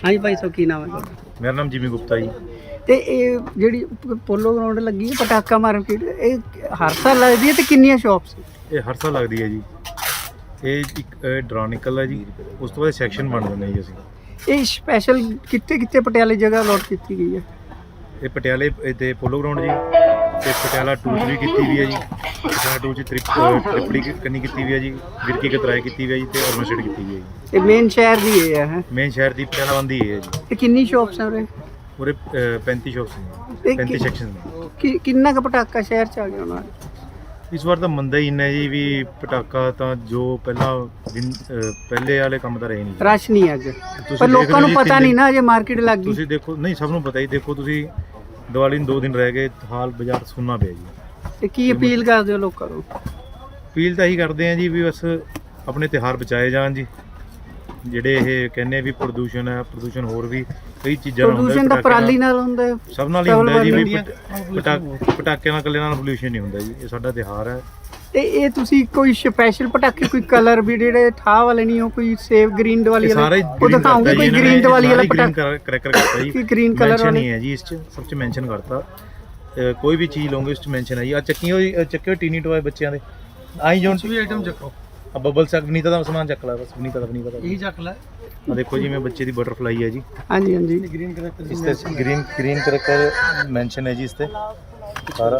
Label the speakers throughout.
Speaker 1: हाँ जी भाई साहब की नाम है?
Speaker 2: मेरा नाम जिमी गुप्ता जी।
Speaker 1: ਤੇ ਇਹ ਜਿਹੜੀ ਪੋਲੋ ਗਰਾਊਂਡ ਲੱਗੀ ਹੈ ਪਟਾਕਾ ਮਾਰਕੀਟ, ਇਹ ਹਰ ਸਾਲ ਲੱਗਦੀ ਹੈ ਤੇ ਕਿੰਨੀਆਂ ਸ਼ਾਪਸ?
Speaker 2: ਇਹ ਹਰ ਸਾਲ ਲੱਗਦੀ ਹੈ ਜੀ। ਇਹ ਇੱਕ ਡਰਾ ਨਿਕਲਦਾ ਜੀ, ਉਸ ਤੋਂ ਬਾਅਦ ਸੈਕਸ਼ਨ ਬਣ ਜਾਂਦੇ ਜੀ ਅਸੀਂ।
Speaker 1: ਇਹ ਸਪੈਸ਼ਲ ਕਿੱਥੇ ਕਿੱਥੇ ਪਟਿਆਲੇ ਜਗ੍ਹਾ ਅਲੋਟ ਕੀਤੀ ਗਈ ਹੈ?
Speaker 2: ਇਹ ਪਟਿਆਲੇ ਤੇ ਪੋਲੋ ਗਰਾਊਂਡ ਜੀ, ਤੇ ਪਟਿਆਲਾ 2 ਚ ਵੀ ਕੀਤੀ ਵੀ ਹੈ ਜੀ। ਪਟਿਆਲਾ 2 ਚ ਤ੍ਰਿਪੜੀ ਕੰਨੀ ਕੀਤੀ ਵੀ ਹੈ ਜੀ, ਵਿਰਕੀ ਕਤਰਾਏ ਕੀਤੀ ਵੀ ਹੈ ਜੀ, ਤੇ ਔਰਮਸਟੇਡ ਕੀਤੀ ਵੀ ਹੈ ਜੀ।
Speaker 1: ਇਹ ਮੇਨ ਸ਼ਹਿਰ ਦੀ ਇਹ ਹੈ?
Speaker 2: ਮੇਨ ਸ਼ਹਿਰ ਦੀ ਪਟਿਆਲਾ ਬੰਦੀ ਹੈ ਜੀ।
Speaker 1: ਤੇ ਕਿੰਨੀ ਸ਼ਾਪਸ ਹੈ ਉਰੇ?
Speaker 2: ਉਰੇ 35 ਸ਼ਾਪਸ ਨੇ, 35 ਸੈਕਸ਼ਨ ਨੇ।
Speaker 1: ਕਿੰਨਾ ਕੁ ਪਟਾਕਾ ਸ਼ਹਿਰ ਚ ਆ ਗਿਆ ਉਹਨਾਂ?
Speaker 2: ਇਸ ਵਾਰ ਤਾਂ ਮੰਦਾ ਹੀ ਇੰਨਾ ਜੀ, ਵੀ ਪਟਾਕਾ ਤਾਂ ਜੋ ਪਹਿਲੇ ਵਾਲੇ ਕੰਮ ਤਾਂ ਰਹੇ ਨਹੀਂ।
Speaker 1: ਰਸ਼ ਨਹੀਂ ਅੱਜ, ਪਰ ਲੋਕਾਂ ਨੂੰ ਪਤਾ ਨਹੀਂ ਨਾ, ਅਜੇ ਮਾਰਕੀਟ ਲੱਗ ਗਈ।
Speaker 2: ਤੁਸੀਂ ਦੇਖੋ, ਨਹੀਂ ਸਭ ਨੂੰ ਪਤਾ ਹੀ। ਦੇਖੋ ਤੁਸੀਂ, ਦੀਵਾਲੀ ਨੂੰ 2 ਦਿਨ ਰਹਿ ਗਏ, ਹਾਲ ਬਾਜ਼ਾਰ ਸੁੰਨਾ ਪਿਆ ਜੀ।
Speaker 1: ਤੇ ਕੀ ਅਪੀਲ ਕਰਦੇ ਹੋ ਲੋਕਾਂ ਨੂੰ?
Speaker 2: ਅਪੀਲ ਤਾਂ ਇਹੀ ਕਰਦੇ ਆ ਜੀ, ਵੀ ਬਸ ਆਪਣੇ ਤਿਉਹਾਰ ਬਚਾਏ ਜਾਣ ਜੀ। ਜਿਹੜੇ ਇਹ ਕਹਿੰਦੇ ਵੀ ਪ੍ਰਦੂਸ਼ਣ ਹੈ, ਪ੍ਰਦੂਸ਼ਣ ਹੋਰ ਵੀ ਕਈ ਚੀਜ਼ਾਂ ਨਾਲ ਹੁੰਦਾ।
Speaker 1: ਪ੍ਰਦੂਸ਼ਣ ਤਾਂ ਪਰਾਲੀ ਨਾਲ ਹੁੰਦਾ,
Speaker 2: ਸਭ ਨਾਲ ਹੀ ਹੁੰਦਾ ਜੀ। ਵੀ ਪਟਾਕਿਆਂ ਨਾਲ ਇਕੱਲੇ ਨਾਲ ਪੋਲਿਊਸ਼ਨ ਨਹੀਂ ਹੁੰਦਾ ਜੀ। ਇਹ ਸਾਡਾ ਤਿਉਹਾਰ ਹੈ।
Speaker 1: ਤੇ ਇਹ ਤੁਸੀਂ ਕੋਈ ਸਪੈਸ਼ਲ ਪਟਾਕੇ, ਕੋਈ ਕਲਰ ਵੀ ਜਿਹੜੇ ਠਾਹ ਵਾਲੇ ਨਹੀਂ, ਉਹ ਕੋਈ ਸੇਵ ਗ੍ਰੀਨ ਦੀਵਾਲੀ ਵਾਲੇ ਉਹ ਦਿਖਾਉਂਗੇ? ਕੋਈ ਗ੍ਰੀਨ ਦੀਵਾਲੀ ਵਾਲਾ ਪਟਾਕਾ
Speaker 2: ਕਰੈਕਰ ਕਰਤਾ ਜੀ,
Speaker 1: ਗ੍ਰੀਨ ਕਲਰ ਵਾਲਾ
Speaker 2: ਨਹੀਂ ਹੈ ਜੀ। ਇਸ ਚ ਸਭ ਚ ਮੈਂਸ਼ਨ ਕਰਤਾ, ਕੋਈ ਵੀ ਚੀਜ਼ ਲਓਗੇ ਉਸ ਚ ਮੈਂਸ਼ਨ ਹੈ ਜੀ। ਆ ਚੱਕਿਓ ਟੀਨੀ ਟੋਏ ਬੱਚਿਆਂ ਦੇ, ਆਈ ਜੋਨ ਵੀ ਆਈਟਮ ਚੱਕੋ। ਆ ਬਬਲ ਸੈਕ ਵਨੀਤਾ ਦਾ ਸਮਾਨ ਚੱਕ ਲੈ, ਬਸ ਵਨੀਤਾ ਦਾ ਨਹੀਂ ਪਤਾ ਇਹੀ ਚੱਕ ਲੈ। ਆ ਦੇਖੋ ਜੀ, ਮੈਂ ਬੱਚੇ ਦੀ ਬਟਰਫਲਾਈ ਹੈ ਜੀ।
Speaker 1: ਹਾਂਜੀ ਹਾਂਜੀ,
Speaker 2: ਗ੍ਰੀਨ ਕਰੈਕਟਰ, ਇਸ ਤੇ ਗ੍ਰੀਨ ਕਰੈਕਟਰ ਮੈਂਸ਼ਨ ਹੈ ਜੀ। ਇਸ ਤੇ ਸਾਰਾ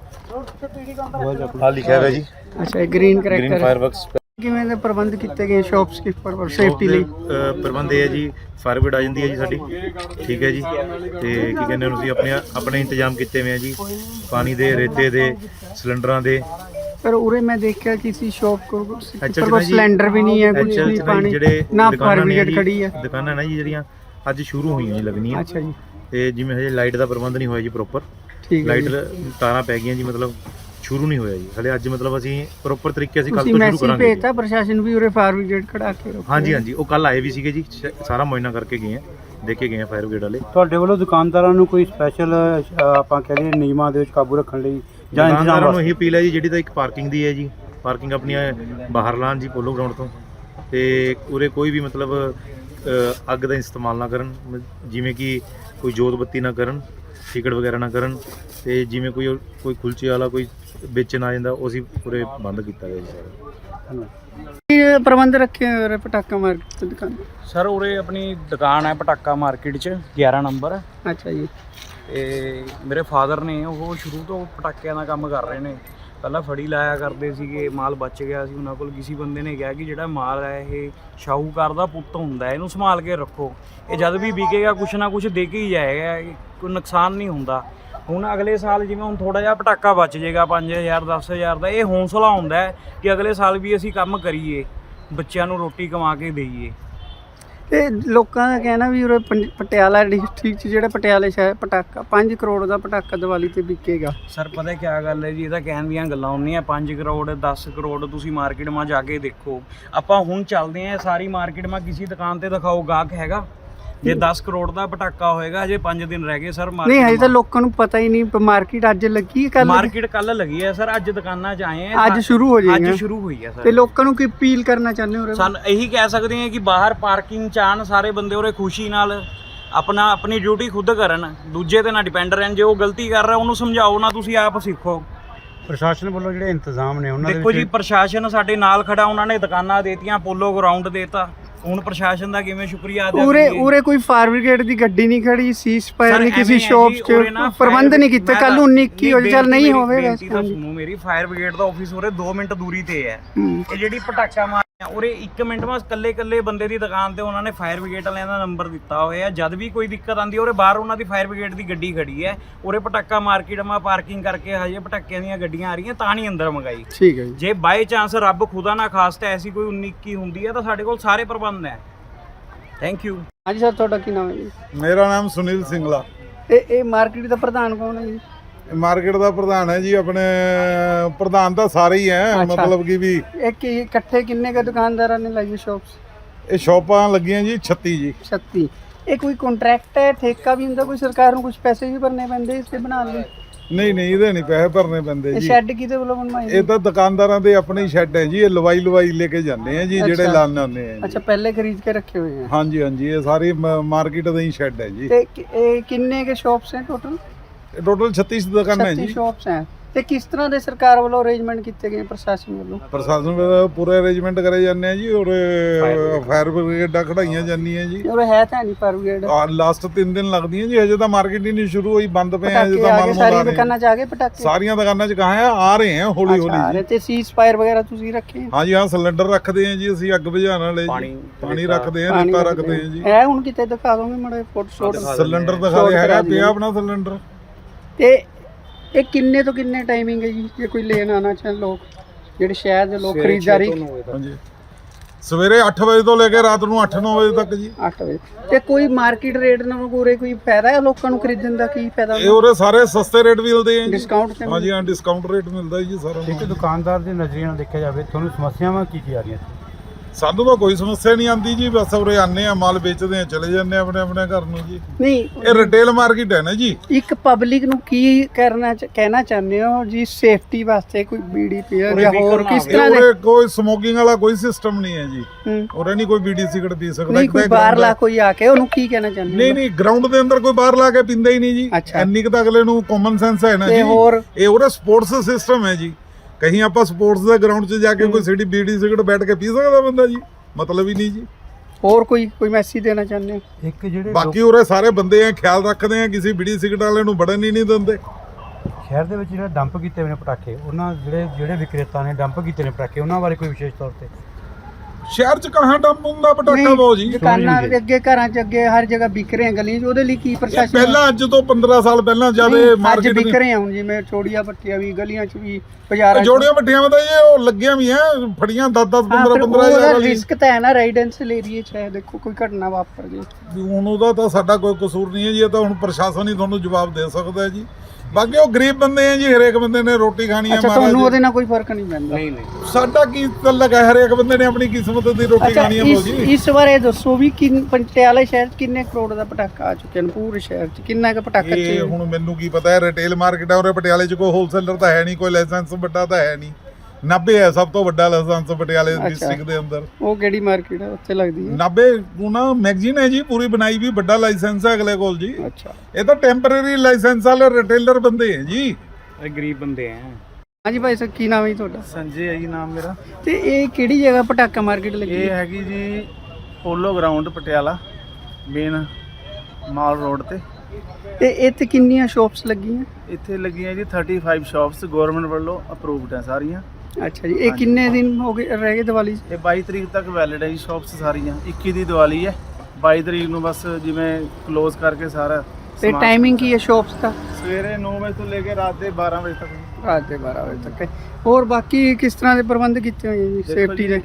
Speaker 2: ਆ ਲਿਖਿਆ ਹੋਇਆ ਜੀ।
Speaker 1: ਅੱਛਾ, ਇਹ ਗ੍ਰੀਨ
Speaker 2: ਗ੍ਰੀਨ
Speaker 1: ਕਰੈਕਟਰ।
Speaker 2: ਫਾਇਰਵਰਕਸ
Speaker 1: ਕਿਵੇਂ ਦੇ ਪ੍ਰਬੰਧ ਕੀਤੇ ਗਏ ਸ਼ਾਪਸ ਕੀ ਸੇਫਟੀ ਲਈ?
Speaker 2: ਪ੍ਰਬੰਧ ਇਹ ਹੈ ਜੀ, ਫਾਇਰ ਬ੍ਰਿਗੇਡ ਆ ਜਾਂਦੀ ਹੈ ਜੀ ਸਾਡੀ, ਠੀਕ ਹੈ ਜੀ। ਤੇ ਕੀ ਕਹਿੰਦੇ ਉਹਨੂੰ, ਅਸੀਂ ਆਪਣੇ ਇੰਤਜ਼ਾਮ ਕੀਤੇ ਹੋਏ ਆ ਜੀ, ਪਾਣੀ ਦੇ, ਰੇਤੇ ਦੇ, ਸਿਲੰਡਰਾਂ ਦੇ।
Speaker 1: ਪਰ ਉਰੇ ਮੈਂ ਦੇਖਿਆ ਕਿਸੇ ਸ਼ਾਪ ਕੋਲ ਸਿਲੰਡਰ ਵੀ ਨਹੀਂ ਹੈ, ਕੁਝ ਨਹੀਂ, ਪਾਣੀ
Speaker 2: ਜਿਹੜੇ
Speaker 1: ਨਾ, ਫਾਇਰ ਬ੍ਰਿਗੇਡ ਖੜੀ ਹੈ।
Speaker 2: ਦੁਕਾਨਾਂ ਨੇ ਜੀ ਜਿਹੜੀਆਂ ਅੱਜ ਸ਼ੁਰੂ ਹੋਈਆਂ ਜੀ ਲੱਗਣੀਆਂ।
Speaker 1: ਅੱਛਾ ਜੀ।
Speaker 2: ਤੇ ਜਿਵੇਂ ਹਜੇ ਲਾਈਟ ਦਾ ਪ੍ਰਬੰਧ ਨਹੀਂ ਹੋਇਆ ਜੀ ਪ੍ਰੋਪਰ।
Speaker 1: ਠੀਕ ਹੈ,
Speaker 2: ਲਾਈਟ ਤਾਰਾਂ ਪੈ ਗਈਆਂ ਜੀ, ਮਤਲਬ ਸ਼ੁਰੂ ਨਹੀਂ ਹੋਇਆ ਜੀ ਹਲੇ। ਅੱਜ ਮਤਲਬ ਅਸੀਂ ਪ੍ਰੋਪਰ ਤਰੀਕੇ ਅਸੀਂ ਕੱਲ ਤੋਂ ਸ਼ੁਰੂ ਕਰਾਂਗੇ।
Speaker 1: ਭੇਜਤਾ ਪ੍ਰਸ਼ਾਸਨ ਵੀ ਉਰੇ ਫਾਇਰ ਬ੍ਰਿਗੇਡ ਖੜਾ ਕੇ ਰੱਖੋ?
Speaker 2: ਹਾਂਜੀ ਹਾਂਜੀ, ਉਹ ਕੱਲ ਆਏ ਵੀ ਸੀਗੇ ਜੀ, ਸਾਰਾ ਮੁਆਇਨਾ ਕਰਕੇ ਗਏ ਆ, ਦੇਖ ਕੇ ਗਏ ਆ ਫਾਇਰ ਬ੍ਰਿਗੇਡ ਵਾਲੇ।
Speaker 3: ਤੁਹਾਡੇ ਵੱਲੋਂ ਦੁਕਾਨਦਾਰਾਂ ਨੂੰ ਕੋਈ ਸਪੈਸ਼ਲ ਆਪਾਂ ਕਹਿ ਲਈਏ ਨਿਯਮਾਂ ਦੇ ਵਿੱਚ ਕਾਬੂ ਰੱਖਣ ਲਈ ਜਾਂ
Speaker 2: ਦੁਕਾਨਦਾਰਾਂ ਨੂੰ ਇਹੀ ਅਪੀਲ ਹੈ ਜੀ, ਜਿਹੜੀ ਤਾਂ ਇੱਕ ਪਾਰਕਿੰਗ ਦੀ ਹੈ ਜੀ, ਪਾਰਕਿੰਗ ਆਪਣੀਆਂ ਬਾਹਰ ਲਾਉਣ ਜੀ ਪੋਲੋ ਗਰਾਊਂਡ ਤੋਂ। ਤੇ ਉਰੇ ਕੋਈ ਵੀ ਮਤਲਬ ਅੱਗ ਦਾ ਇਸਤੇਮਾਲ ਨਾ ਕਰਨ, ਜਿਵੇਂ ਕਿ ਕੋਈ ਜੋਤ ਬੱਤੀ ਨਾ ਕਰਨ, ਟਿਕਟ ਵਗੈਰਾ ਨਾ ਕਰਨ। ਤੇ ਜਿਵੇਂ ਕੋਈ ਕੁਲਚੇ ਵਾਲਾ ਕੋਈ ਵੇਚਣ ਆ ਜਾਂਦਾ, ਉਹ ਅਸੀਂ ਪੂਰੇ ਬੰਦ ਕੀਤਾ ਗਿਆ ਜੀ ਸਾਰਾ।
Speaker 1: ਕੀ ਪ੍ਰਬੰਧ ਰੱਖੇ ਹੋਏ ਪਟਾਕਾ ਮਾਰਕੀਟ ਦੀ ਦੁਕਾਨ?
Speaker 3: ਸਰ ਉਰੇ ਆਪਣੀ ਦੁਕਾਨ ਹੈ ਪਟਾਕਾ ਮਾਰਕੀਟ 'ਚ 11 ਨੰਬਰ।
Speaker 1: ਅੱਛਾ ਜੀ।
Speaker 3: ਤੇ ਮੇਰੇ ਫਾਦਰ ਨੇ, ਉਹ ਸ਼ੁਰੂ ਤੋਂ ਪਟਾਕਿਆਂ ਦਾ ਕੰਮ ਕਰ ਰਹੇ ਨੇ। ਪਹਿਲਾਂ ਫੜੀ ਲਾਇਆ ਕਰਦੇ ਸੀਗੇ, ਮਾਲ ਬਚ ਗਿਆ ਸੀ ਉਹਨਾਂ ਕੋਲ। ਕਿਸੇ ਬੰਦੇ ਨੇ ਕਿਹਾ ਕਿ ਜਿਹੜਾ ਮਾਲ ਹੈ ਇਹ ਸ਼ਾਹੂਕਾਰ ਦਾ ਪੁੱਤ ਹੁੰਦਾ, ਇਹਨੂੰ ਸੰਭਾਲ ਕੇ ਰੱਖੋ, ਇਹ ਜਦ ਵੀ ਵਿਕੇਗਾ ਕੁਛ ਨਾ ਕੁਛ ਦੇ ਕੇ ਹੀ ਜਾਏਗਾ, ਕੋਈ ਨੁਕਸਾਨ ਨਹੀਂ ਹੁੰਦਾ। ਹੁਣ ਅਗਲੇ ਸਾਲ ਜਿਵੇਂ ਹੁਣ ਥੋੜ੍ਹਾ ਜਿਹਾ ਪਟਾਕਾ ਬਚ ਜਾਏਗਾ 5000 10,000 ਦਾ, ਇਹ ਹੌਂਸਲਾ ਹੁੰਦਾ ਹੈ ਕਿ ਅਗਲੇ ਸਾਲ ਵੀ ਅਸੀਂ ਕੰਮ ਕਰੀਏ, ਬੱਚਿਆਂ ਨੂੰ ਰੋਟੀ ਕਮਾ ਕੇ ਦੇਈਏ।
Speaker 1: ਤੇ ਲੋਕਾਂ ਦਾ ਕਹਿਣਾ ਵੀ ਉਰੇ ਪਟਿਆਲਾ ਡਿਸਟ੍ਰਿਕਟ 'ਚ ਜਿਹੜਾ ਪਟਿਆਲੇ ਸ਼ਹਿਰ ਪਟਾਕਾ 5 ਕਰੋੜ ਦਾ ਪਟਾਕਾ ਦੀਵਾਲੀ ਤੇ ਵਿਕੇਗਾ।
Speaker 3: ਸਰ ਪਤਾ ਕਿਆ ਗੱਲ ਹੈ ਜੀ, ਇਹ ਤਾਂ ਕਹਿਣ ਦੀਆਂ ਗੱਲਾਂ ਹੁੰਦੀਆਂ। 5 ਕਰੋੜ 10 ਕਰੋੜ ਤੁਸੀਂ ਮਾਰਕੀਟ ਮਾ ਜਾ ਕੇ ਦੇਖੋ। ਆਪਾਂ ਹੁਣ ਚੱਲਦੇ ਹਾਂ ਸਾਰੀ ਮਾਰਕੀਟ ਮਾ, ਕਿਸੇ ਦੁਕਾਨ ਤੇ ਦਿਖਾਓ ਗਾਹਕ ਹੈਗਾ? ਜੇ 10 ਕਰੋੜ ਦਾ ਪਟਾਕਾ ਹੋਏਗਾ, ਅਜੇ 5 ਦਿਨ ਰਹਿ ਗਏ ਸਰ।
Speaker 1: ਨਹੀਂ, ਹਜੇ ਤਾਂ ਲੋਕਾਂ ਨੂੰ ਪਤਾ ਹੀ ਨਹੀਂ। ਮਾਰਕੀਟ ਅੱਜ ਲੱਗੀ ਹੈ? ਕੱਲ
Speaker 3: ਮਾਰਕੀਟ ਕੱਲ ਲੱਗੀ ਹੈ ਸਰ, ਅੱਜ ਦੁਕਾਨਾਂ 'ਚ ਆਏ ਆ,
Speaker 1: ਅੱਜ ਸ਼ੁਰੂ ਹੋ ਜਾਏਗੀ।
Speaker 3: ਅੱਜ ਸ਼ੁਰੂ ਹੋਈ ਹੈ ਸਰ।
Speaker 1: ਤੇ ਲੋਕਾਂ ਨੂੰ ਕੀ ਅਪੀਲ ਕਰਨਾ ਚਾਹੁੰਦੇ ਹੋ?
Speaker 3: ਸਾਨੂੰ ਇਹੀ ਕਹਿ ਸਕਦੇ ਹਾਂ ਕਿ ਬਾਹਰ ਪਾਰਕਿੰਗ 'ਚ ਆਉਣ ਸਾਰੇ ਬੰਦੇ, ਉਰੇ ਖੁਸ਼ੀ ਨਾਲ ਆਪਣੀ ਡਿਊਟੀ ਖੁਦ ਕਰਨ, ਦੂਜੇ ਤੇ ਨਾ ਡਿਪੈਂਡ ਰਹਿਣ। ਜੇ ਉਹ ਗਲਤੀ ਕਰ ਰਿਹਾ ਉਹਨੂੰ ਸਮਝਾਓ ਨਾ, ਤੁਸੀਂ ਆਪ ਸਿੱਖੋ। ਪ੍ਰਸ਼ਾਸਨ ਵੱਲੋਂ ਜਿਹੜੇ ਇੰਤਜ਼ਾਮ ਨੇ ਉਹਨਾਂ ਦੇ ਦੇਖੋ ਜੀ, ਪ੍ਰਸ਼ਾਸਨ ਸਾਡੇ ਨਾਲ ਖੜਾ, ਉਹਨਾਂ ਨੇ ਦੁਕਾਨਾਂ ਦੇਤੀਆਂ, ਪੋਲੋ ਗਰਾਊਂਡ ਦੇਤਾ। ਹੁਣ ਪ੍ਰਸ਼ਾਸਨ ਦਾ ਕਿਵੇਂ ਸ਼ੁਕਰੀਆ ਅਦਾ ਕਰੀਏ?
Speaker 1: ਉਰੇ ਕੋਈ ਫਾਇਰ ਬ੍ਰਿਗੇਡ ਦੀ ਗੱਡੀ ਨਹੀਂ ਖੜੀ, ਸੀਸ ਫਾਇਰ ਨਹੀਂ ਕਿਸੇ ਸ਼ਾਪ 'ਚ, ਪ੍ਰਬੰਧ ਨਹੀਂ ਕੀਤੇ। ਕੱਲ ਨੂੰ 19 ਹੋ ਚੱਲ ਨਹੀਂ ਹੋਵੇਗਾ।
Speaker 3: ਸੁਣੋ ਮੇਰੀ, ਫਾਇਰ ਬ੍ਰਿਗੇਡ ਦਾ ਆਫਿਸ ਉਰੇ 2 ਮਿੰਟ ਦੂਰੀ ਤੇ ਹੈ। ਇਹ ਜਿਹੜੀ ਪਟਾਕਾ ਮਾਰਿਆ ਉਰੇ 1 ਮਿੰਟ ਮਾ ਕੱਲੇ ਬੰਦੇ ਦੀ ਦੁਕਾਨ ਤੇ ਉਹਨਾਂ ਨੇ ਫਾਇਰ ਬ੍ਰਿਗੇਡ ਵਾਲਿਆਂ ਦਾ ਨੰਬਰ ਦਿੱਤਾ ਹੋਇਆ। ਜਦ ਵੀ ਕੋਈ ਦਿੱਕਤ ਆਉਂਦੀ ਉਰੇ ਬਾਹਰ ਉਹਨਾਂ ਦੀ ਫਾਇਰ ਬ੍ਰਿਗੇਡ ਦੀ ਗੱਡੀ ਖੜੀ ਹੈ। ਉਰੇ ਪਟਾਕਾ ਮਾਰਕੀਟ ਮਾ ਪਾਰਕਿੰਗ ਕਰਕੇ ਹਜੇ ਪਟਾਕਿਆਂ ਦੀਆਂ ਗੱਡੀਆਂ ਆ ਰਹੀਆਂ, ਤਾਂ ਨਹੀਂ ਅੰਦਰ ਮੰਗਾਈ।
Speaker 1: ਠੀਕ ਹੈ ਜੀ। ਜੇ
Speaker 3: ਬਾਈ ਚਾਂਸ ਰੱਬ ਖੁਦਾ ਨਾ ਖਾਸਤਾ ਐਸੀ ਕੋਈ 19 ਹੁੰਦੀ ਹੈ ਤਾਂ ਸਾਡੇ ਕੋਲ ਸਾਰੇ ਪ੍ਰਬੰਧ ਹੈ। Thank you.
Speaker 1: ਹਾਂਜੀ ਸਰ, ਤੁਹਾਡਾ ਕੀ ਨਾਮ ਹੈ ਜੀ?
Speaker 4: ਮੇਰਾ ਨਾਮ ਸੁਨੀਲ ਸਿੰਗਲਾ।
Speaker 1: ਇਹ ਮਾਰਕੀਟ ਦਾ ਪ੍ਰਧਾਨ ਕੌਣ ਹੈ ਜੀ?
Speaker 4: ਮਾਰਕੀਟ ਦਾ ਪ੍ਰਧਾਨ ਹੈ ਜੀ, ਆਪਣੇ ਪ੍ਰਧਾਨ ਤਾਂ ਸਾਰੇ ਹੀ ਹੈ। ਮਤਲਬ ਕਿ ਵੀ
Speaker 1: ਇਹ ਕੀ ਇਕੱਠੇ ਕਿੰਨੇ ਕ ਦੁਕਾਨਦਾਰਾਂ ਨੇ ਲਾਈ ਸ਼ਾਪਸ?
Speaker 4: ਇਹ ਸ਼ਾਪਾਂ ਲੱਗੀਆਂ ਜੀ 36 ਜੀ।
Speaker 1: 36। ਇਹ ਕੋਈ ਕੰਟਰੈਕਟ ਹੈ, ਠੇਕਾ ਵੀ ਹੁੰਦਾ ਕੋਈ? ਸਰਕਾਰ ਨੂੰ ਕੁਝ ਪੈਸੇ ਵੀ ਭਰਨੇ ਪੈਂਦੇ ਇਸ ਤੇ ਬਣਾਉਣ ਲਈ?
Speaker 4: ਨਹੀਂ ਨਹੀਂ, ਇਹਦੇ ਨਹੀਂ ਪੈਸੇ ਭਰਨੇ ਪੈਂਦੇ
Speaker 1: ਇਹ
Speaker 4: ਜੀ।
Speaker 1: ਸ਼ੈੱਡ ਕਿਹਦੇ ਵੱਲੋਂ ਬਣਵਾਏ
Speaker 4: ਇਹ ਤਾਂ ਦੁਕਾਨਦਾਰਾਂ ਦੇ ਆਪਣੇ ਸ਼ੈੱਡ ਹੈ ਜੀ, ਇਹ ਲਵਾਈ ਲੈ ਕੇ ਜਾਂਦੇ ਆ ਜੀ, ਜਿਹੜੇ
Speaker 1: ਅੱਛਾ।
Speaker 4: ਲਾਣੇ ਹੁੰਦੇ ਆ ਜੀ।
Speaker 1: ਅੱਛਾ, ਪਹਿਲੇ ਖਰੀਦ ਕੇ ਰੱਖੇ ਹੋਏ ਹੈ।
Speaker 4: ਹਾਂਜੀ ਹਾਂਜੀ, ਇਹ ਸਾਰੀ ਮਾਰਕੀਟ ਦਾ ਹੀ ਸ਼ੈੱਡ ਹੈ ਜੀ।
Speaker 1: ਤੇ ਇਹ ਕਿੰਨੇ ਕੇ ਸ਼ਾਪਸ ਹੈ ਟੋਟਲ?
Speaker 4: ਟੋਟਲ 36 ਦੁਕਾਨਾਂ ਹੈ
Speaker 1: 36
Speaker 4: ਜੀ।
Speaker 1: ਸ਼ਾਪਸ ਹੈ। ਤੇ ਕਿਸ ਤਰ੍ਹਾਂ ਦੇ ਸਰਕਾਰ ਵੱਲੋਂ ਅਰੇਂਜਮੈਂਟ ਕੀਤੇ ਗਏ ਪ੍ਰਸ਼ਾਸਨ ਵੱਲੋਂ?
Speaker 4: ਪ੍ਰਸ਼ਾਸਨ ਵੱਲੋਂ ਪੂਰੇ ਅਰੇਂਜਮੈਂਟ ਕਰੇ ਜਾਂਦੇ ਆ ਜੀ, ਔਰ ਫਾਇਰ ਬ੍ਰਿਗੇਡਾਂ ਖੜਾਈਆਂ ਜਾਂਦੀਆਂ ਜੀ।
Speaker 1: ਉਹ ਹੈ ਤਾਂ ਨਹੀਂ ਪਰ ਗੇੜ
Speaker 4: ਲਾਸਟ 3 ਦਿਨ ਲੱਗਦੀਆਂ ਜੀ, ਹਜੇ ਤਾਂ ਮਾਰਕੀਟ ਹੀ ਨਹੀਂ ਸ਼ੁਰੂ ਹੋਈ, ਬੰਦ ਪਏ ਆ, ਹਜੇ
Speaker 1: ਪਟਾਕੇ
Speaker 4: ਤਾਂ
Speaker 1: ਆ ਗਏ
Speaker 4: ਮਾਲ
Speaker 1: ਸਾਰੀਆਂ
Speaker 4: ਮੁੱਲ
Speaker 1: ਦੁਕਾਨਾਂ 'ਚ ਆ ਗਏ ਪਟਾਕੇ?
Speaker 4: ਸਾਰੀਆਂ ਦੁਕਾਨਾਂ 'ਚ ਕਹਾਂ ਆ ਰਹੇ ਆ ਹੌਲੀ
Speaker 1: ਅੱਛਾ, ਆ
Speaker 4: ਹੌਲੀ
Speaker 1: ਰਹੇ।
Speaker 4: ਜੀ।
Speaker 1: ਤੇ ਸੀਜ਼ ਫਾਇਰ ਵਗੈਰਾ ਤੁਸੀਂ ਰੱਖੇ?
Speaker 4: ਹਾਂਜੀ ਹਾਂ, ਸਿਲੰਡਰ ਰੱਖਦੇ ਆ ਜੀ ਅਸੀਂ, ਅੱਗ ਬੁਝਾਉਣ ਵਾਲੇ ਜੀ। ਪਾਣੀ ਰੱਖਦੇ ਆ, ਰੇਤਾ ਰੱਖਦੇ ਆ ਜੀ।
Speaker 1: ਇਹ ਹੁਣ ਕਿਤੇ ਦਿਖਾ ਦੋਗੇ ਮੜੇ ਫੋਟੋ ਸ਼ੋਟ?
Speaker 4: ਸਿਲੰਡਰ ਦਿਖਾ ਰਿਹਾ ਹੈਗਾ, ਪਿਆ ਆਪਣਾ ਸਿਲੰਡਰ।
Speaker 1: ਤੇ ਇਹ ਕਿੰਨੇ ਤੋਂ ਕਿੰਨੇ ਟਾਈਮਿੰਗ ਹੈ ਜੀ, ਜੇ ਕੋਈ ਲੈਣ ਆਣਾ ਚਾਹੇ ਲੋਕ, ਜਿਹੜੇ ਸ਼ਹਿਰ ਦੇ ਲੋਕ ਖਰੀਦਦਾਰੀ?
Speaker 4: ਹਾਂਜੀ, ਸਵੇਰੇ 8 ਵਜੇ ਤੋਂ ਲੈ ਕੇ ਰਾਤ ਨੂੰ 8-9 ਵਜੇ ਤੱਕ ਜੀ।
Speaker 1: 8 ਵਜੇ। ਤੇ ਕੋਈ ਮਾਰਕੀਟ ਰੇਟ ਨਾਲ ਪੂਰੇ ਕੋਈ ਫਾਇਦਾ ਹੈ ਲੋਕਾਂ ਨੂੰ ਖਰੀਦਣ ਦਾ? ਕੀ ਫਾਇਦਾ?
Speaker 4: ਇਹ ਉਰੇ ਸਾਰੇ ਸਸਤੇ ਰੇਟ ਮਿਲਦੇ ਆ ਜੀ।
Speaker 1: ਡਿਸਕਾਊਂਟ ਤੇ?
Speaker 4: ਹਾਂਜੀ ਹਾਂ, ਡਿਸਕਾਊਂਟ ਰੇਟ ਮਿਲਦਾ ਜੀ ਸਾਰਾ।
Speaker 5: ਇੱਕ ਦੁਕਾਨਦਾਰ ਦੇ ਨਜ਼ਰੀਏ ਨਾਲ ਦੇਖਿਆ ਜਾਵੇ, ਤੁਹਾਨੂੰ ਸਮੱਸਿਆਵਾਂ ਕੀ ਆ ਰਹੀਆਂ?
Speaker 4: ਸਾਨੂੰ ਤਾਂ ਕੋਈ ਸਮੱਸਿਆ ਨਹੀਂ ਆਉਂਦੀ ਜੀ, ਬਸ ਉਰੇ ਆਨੇ ਆ, ਮਾਲ ਵੇਚਦੇ ਆ, ਚਲੇ ਜਾਂਦੇ ਆ ਆਪਣੇ ਆਪਣੇ ਘਰ ਨੂੰ ਜੀ।
Speaker 1: ਨਹੀਂ,
Speaker 4: ਇਹ ਰਿਟੇਲ ਮਾਰਕੀਟ ਹੈ ਨਾ ਜੀ।
Speaker 1: ਇੱਕ ਪਬਲਿਕ ਨੂੰ ਕੀ ਕਹਿਣਾ ਚਾਹੁੰਦੇ ਹੋ ਜੀ, ਸੇਫਟੀ ਵਾਸਤੇ ਕੋਈ ਬੀੜੀ ਪੀਆ ਜਾਂ ਹੋਰ ਕਿਸ
Speaker 4: ਇਹ
Speaker 1: ਤਰ੍ਹਾਂ ਦੇ?
Speaker 4: ਉਰੇ ਕੋਈ ਸਮੋਕਿੰਗ ਵਾਲਾ ਕੋਈ ਸਿਸਟਮ ਨਹੀਂ ਹੈ ਜੀ।
Speaker 1: ਹੂੰ।
Speaker 4: ਉਰੇ ਨਹੀਂ ਕੋਈ ਬੀੜੀ ਸਿਗਰਟ ਪੀ ਸਕਦਾ।
Speaker 1: ਨਹੀਂ, ਕੋਈ ਬਾਹਰ ਲਾ ਕੋਈ ਆ ਕੇ ਉਹਨੂੰ ਕੀ ਕਹਿਣਾ ਚਾਹੁੰਦੇ ਹੋ?
Speaker 4: ਨਹੀਂ ਨਹੀਂ, ਗਰਾਊਂਡ ਦੇ ਅੰਦਰ ਕੋਈ ਬਾਹਰ ਲਾ ਕੇ ਪੀਂਦਾ ਹੀ ਨਹੀਂ ਜੀ।
Speaker 1: ਅੱਛਾ।
Speaker 4: ਇੰਨੀ ਕੁ ਤਾਂ ਅਗਲੇ ਨੂੰ ਕਾਮਨ ਸੈਂਸ ਹੈ ਨਾ
Speaker 1: ਤੇ
Speaker 4: ਜੀ।
Speaker 1: ਹੋਰ?
Speaker 4: ਇਹ ਉਰੇ ਸਪੋਰਟਸ ਸਿਸਟਮ ਹੈ ਜੀ। ਕਹੀਂ ਆਪਾਂ ਸਪੋਰਟਸ ਦੇ ਗਰਾਊਂਡ 'ਚ ਜਾ ਕੇ ਕੋਈ ਸਿਟੀ ਬੀੜੀ ਸਿਗਰਟ ਬੈਠ ਕੇ ਪੀ ਸਕਦਾ ਬੰਦਾ ਜੀ? ਮਤਲਬ ਹੀ ਨਹੀਂ ਜੀ।
Speaker 1: ਹੋਰ ਕੋਈ ਮੈਸੇਜ ਦੇਣਾ ਚਾਹੁੰਦੇ ਹੋ?
Speaker 5: ਇੱਕ ਜਿਹੜੇ
Speaker 4: ਬਾਕੀ ਉਰੇ ਸਾਰੇ ਬੰਦੇ ਆ, ਖਿਆਲ ਰੱਖਦੇ ਆ, ਕਿਸੇ ਬੀੜੀ ਸਿਗਰਟ ਵਾਲੇ ਨੂੰ ਵੜਨ ਹੀ ਨਹੀਂ ਦਿੰਦੇ।
Speaker 5: ਸ਼ਹਿਰ ਦੇ ਵਿੱਚ ਜਿਹੜਾ ਡੰਪ ਕੀਤੇ ਹੋਏ ਨੇ ਪਟਾਕੇ, ਉਹਨਾਂ ਜਿਹੜੇ ਵਿਕਰੇਤਾ ਨੇ ਡੰਪ ਕੀਤੇ ਨੇ ਪਟਾਕੇ, ਉਹਨਾਂ ਬਾਰੇ ਕੋਈ ਵਿਸ਼ੇਸ਼ ਤੌਰ ਤੇ?
Speaker 4: ਸ਼ਹਿਰ 'ਚ ਕਹਾਂ ਡੰਪ ਹੁੰਦਾ ਪਟਾਕਾ
Speaker 1: ਨਹੀਂ,
Speaker 4: ਬਹੁ ਜੀ।
Speaker 1: ਦੁਕਾਨਾਂ ਦੇ ਅੱਗੇ, ਘਰਾਂ 'ਚ ਅੱਗੇ, ਹਰ ਜਗ੍ਹਾ ਵਿਕ ਰਹੇ ਆ ਗਲੀਆਂ 'ਚ, ਉਹਦੇ ਲਈ ਕੀ
Speaker 4: ਇਹ
Speaker 1: ਪ੍ਰਸ਼ਾਸਨ?
Speaker 4: ਪਹਿਲਾਂ ਅੱਜ ਤੋਂ 15 ਸਾਲ ਪਹਿਲਾਂ ਜਦ
Speaker 1: ਨਹੀਂ,
Speaker 4: ਇਹ
Speaker 1: ਅੱਜ
Speaker 4: ਮਾਰਕੀਟ
Speaker 1: ਵਿਕ ਰਹੇ ਆ ਹੁਣ, ਜਿਵੇਂ ਚੋੜੀਆਂ ਪੱਟੀਆਂ ਵੀ ਗਲੀਆਂ 'ਚ ਵੀ, ਬਾਜ਼ਾਰਾਂ 'ਚ।
Speaker 4: ਜੋੜੀਆਂ ਮੱਠੀਆਂ ਵਿੱਚ ਤਾਂ ਇਹ ਉਹ ਲੱਗੀਆਂ ਵੀ ਐ, ਫੜੀਆਂ 10-10
Speaker 1: ਹਾਂ, ਫਿਰ
Speaker 4: 15-15
Speaker 1: ਉਹਦਾ
Speaker 4: ਹਜ਼ਾਰ ਵਾਲੀ।
Speaker 1: ਰਿਸਕ ਤਾਂ ਹੈ ਨਾ ਰੈਜ਼ੀਡੈਂਸ਼ੀਅਲ ਏਰੀਆ 'ਚ ਹੈ, ਦੇਖੋ ਕੋਈ ਘਟਨਾ ਵਾਪਰ ਜੇ।
Speaker 4: ਹੁਣ ਉਹਦਾ ਤਾਂ ਸਾਡਾ ਕੋਈ ਕਸੂਰ ਨਹੀਂ ਹੈ ਜੀ, ਇਹ ਤਾਂ ਹੁਣ ਪ੍ਰਸ਼ਾਸਨ ਹੀ ਤੁਹਾਨੂੰ ਜਵਾਬ ਦੇ ਸਕਦਾ ਹੈ ਜੀ। ਬਾਕੀ ਉਹ ਗਰੀਬ ਬੰਦੇ ਆ ਜੀ, ਹਰੇਕ ਬੰਦੇ ਨੇ ਰੋਟੀ ਖਾਣੀ ਹੈ
Speaker 1: ਅੱਛਾ, ਤੁਹਾਨੂੰ
Speaker 4: ਮਹਾਰਾਜ।
Speaker 1: ਉਹਦੇ ਨਾਲ ਕੋਈ ਫਰਕ ਨਹੀਂ ਪੈਂਦਾ?
Speaker 3: ਨਹੀਂ ਨਹੀਂ,
Speaker 4: ਸਾਡਾ ਕੀ ਤਲਕ ਹੈ, ਹਰੇਕ ਬੰਦੇ ਨੇ ਆਪਣੀ ਕਿਸਮਤ ਦੀ ਰੋਟੀ
Speaker 1: ਅੱਛਾ,
Speaker 4: ਖਾਣੀ ਹੈ ਬਾਊ ਜੀ।
Speaker 1: ਇਸ ਵਾਰ ਇਹ ਦੱਸੋ ਵੀ ਪਟਿਆਲਾ ਸ਼ਹਿਰ 'ਚ ਕਿੰਨੇ ਕਰੋੜ ਦਾ ਪਟਾਕਾ ਆ ਚੁੱਕਿਆ ਨੇ? ਪੂਰੇ ਸ਼ਹਿਰ 'ਚ ਕਿੰਨਾ ਕੁ ਪਟਾਕਾ
Speaker 4: ਇਹ
Speaker 1: ਚ?
Speaker 4: ਹੁਣ ਮੈਨੂੰ ਕੀ ਪਤਾ ਹੈ, ਰਿਟੇਲ ਮਾਰਕੀਟ ਹੈ ਉਰੇ ਪਟਿਆਲੇ 'ਚ, ਕੋਈ ਹੋਲਸੇਲਰ ਤਾਂ ਹੈ ਨਹੀਂ, ਕੋਈ ਲਾਇਸੈਂਸ ਵੱਡਾ ਤਾਂ ਹੈ ਨਹੀਂ। 90 ਹੈ ਸਭ ਤੋਂ ਵੱਡਾ ਲਾਇਸੈਂਸ ਪਟਿਆਲੇ ਡਿਸਟ੍ਰਿਕਟ ਦੇ ਅੰਦਰ।
Speaker 1: ਉਹ ਕਿਹੜੀ ਮਾਰਕੀਟ ਹੈ ਉੱਥੇ ਲੱਗਦੀ ਹੈ?
Speaker 4: 90 ਉਹਨਾਂ ਮੈਗਜ਼ੀਨ ਹੈ ਜੀ, ਪੂਰੀ ਬਣਾਈ ਵੀ, ਵੱਡਾ ਲਾਇਸੈਂਸ ਹੈ ਅਗਲੇ ਕੋਲ ਜੀ।
Speaker 1: ਅੱਛਾ,
Speaker 4: ਇਹ ਤਾਂ ਟੈਂਪਰੇਰੀ ਲਾਇਸੈਂਸ ਵਾਲੇ ਰਿਟੇਲਰ ਬੰਦੇ ਹੈ ਜੀ।
Speaker 3: ਇਹ ਗਰੀਬ ਬੰਦੇ ਆ।
Speaker 1: ਹਾਂਜੀ ਭਾਈ ਸਾਹਿਬ, ਕੀ ਨਾਮ ਹੈ ਜੀ ਤੁਹਾਡਾ?
Speaker 6: ਸੰਜੇ ਹੈ ਜੀ ਨਾਮ ਮੇਰਾ।
Speaker 1: ਤੇ ਇਹ ਕਿਹੜੀ ਜਗ੍ਹਾ ਪਟਾਕਾ ਮਾਰਕੀਟ ਲੱਗੀ
Speaker 6: ਇਹ
Speaker 1: ਹੈ?
Speaker 6: ਹੈਗੀ ਜੀ polo ground Patiala, main mall road ਤੇ।
Speaker 1: ਤੇ ਇੱਥੇ ਕਿੰਨੀਆਂ ਸ਼ਾਪਸ ਲੱਗੀਆਂ?
Speaker 6: ਇੱਥੇ ਲੱਗੀਆਂ ਜੀ 35 ਸ਼ਾਪਸ, ਗਵਰਨਮੈਂਟ ਵੱਲੋਂ ਅਪਰੂਵਡ ਹੈ ਸਾਰੀਆਂ।
Speaker 1: ਅੱਛਾ ਜੀ, ਇਹ ਕਿੰਨੇ ਦਿਨ ਹੋ ਗਏ ਰਹਿ ਗਏ ਦੀਵਾਲੀ 'ਚ?
Speaker 6: ਇਹ 22 ਤਰੀਕ ਤੱਕ ਵੈਲਿਡ ਹੈ ਜੀ ਸ਼ਾਪਸ ਸਾਰੀਆਂ। 21 ਦੀ ਦੀਵਾਲੀ ਹੈ, 22 ਤਰੀਕ ਨੂੰ ਬਸ ਜਿਵੇਂ ਕਲੋਜ਼ ਕਰਕੇ ਸਾਰਾ
Speaker 1: ਤੇ
Speaker 6: ਸਮਾਨ।
Speaker 1: ਟਾਈਮਿੰਗ ਕੀ ਹੈ ਸ਼ਾਪਸ ਦਾ?
Speaker 6: ਸਵੇਰੇ 9 ਵਜੇ ਤੋਂ ਲੈ ਕੇ ਰਾਤ ਦੇ 12 ਵਜੇ ਤੱਕ।
Speaker 1: ਰਾਤ ਦੇ 12 ਵਜੇ ਤੱਕ। ਹੋਰ ਬਾਕੀ ਕਿਸ ਤਰ੍ਹਾਂ ਦੇ ਪ੍ਰਬੰਧ ਕੀਤੇ ਹੋਏ ਜੀ
Speaker 6: ਦੇਖੋ
Speaker 1: ਸੇਫਟੀ
Speaker 6: ਜੀ,
Speaker 1: ਦੇ?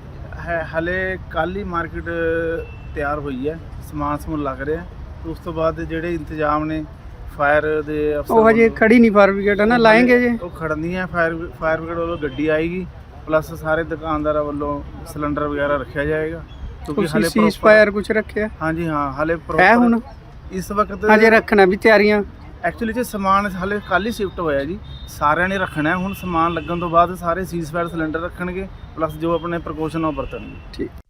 Speaker 6: ਹਲੇ ਕੱਲ ਹੀ ਮਾਰਕੀਟ ਤਿਆਰ ਹੋਈ ਹੈ, ਸਮਾਨ ਲੱਗ ਰਿਹਾ। ਉਸ ਤੋਂ ਬਾਅਦ ਜਿਹੜੇ ਇੰਤਜ਼ਾਮ ਨੇ ਫਾਇਰ ਦੇ ਅਫਸਰ
Speaker 1: ਉਹ ਹਜੇ
Speaker 6: ਵੱਲੋਂ,
Speaker 1: ਖੜੀ ਨਹੀਂ ਫਾਇਰ ਬ੍ਰਿਗੇਡ ਹੈ ਨਾ, ਲਾਏਂਗੇ ਜੇ?
Speaker 6: ਉਹ ਖੜਨੀ ਹੈ, ਫਾਇਰ ਬ੍ਰਿਗੇਡ ਵੱਲੋਂ ਗੱਡੀ ਆਏਗੀ, ਪਲੱਸ ਸਾਰੇ ਦੁਕਾਨਦਾਰਾਂ ਵੱਲੋਂ ਸਿਲੰਡਰ ਵਗੈਰਾ ਰੱਖਿਆ ਜਾਏਗਾ, ਕਿਉਂਕਿ
Speaker 1: ਤੁਸੀਂ
Speaker 6: ਹਲੇ
Speaker 1: ਸੀਜ਼ ਫਾਇਰ ਕੁਝ ਰੱਖਿਆ
Speaker 6: ਹਾਂਜੀ ਹਾਂ, ਹਲੇ
Speaker 1: ਹੈ ਹੁਣ?
Speaker 6: ਇਸ ਵਕਤ
Speaker 1: ਹਜੇ ਰੱਖਣਾ ਵੀ ਤਿਆਰੀਆਂ?
Speaker 6: ਐਕਚੁਅਲੀ ਜੇ ਸਮਾਨ ਹਲੇ ਕੱਲ ਹੀ ਸ਼ਿਫਟ ਹੋਇਆ ਜੀ, ਸਾਰਿਆਂ ਨੇ ਰੱਖਣਾ ਹੈ। ਹੁਣ ਸਮਾਨ ਲੱਗਣ ਤੋਂ ਬਾਅਦ ਸਾਰੇ ਸੀਜ਼ ਫਾਇਰ ਸਿਲੰਡਰ ਰੱਖਣਗੇ, ਪਲੱਸ ਜੋ ਆਪਣੇ ਪ੍ਰੀਕਾਸ਼ਨ ਉਹ ਵਰਤਣਗੇ।
Speaker 1: ਠੀਕ।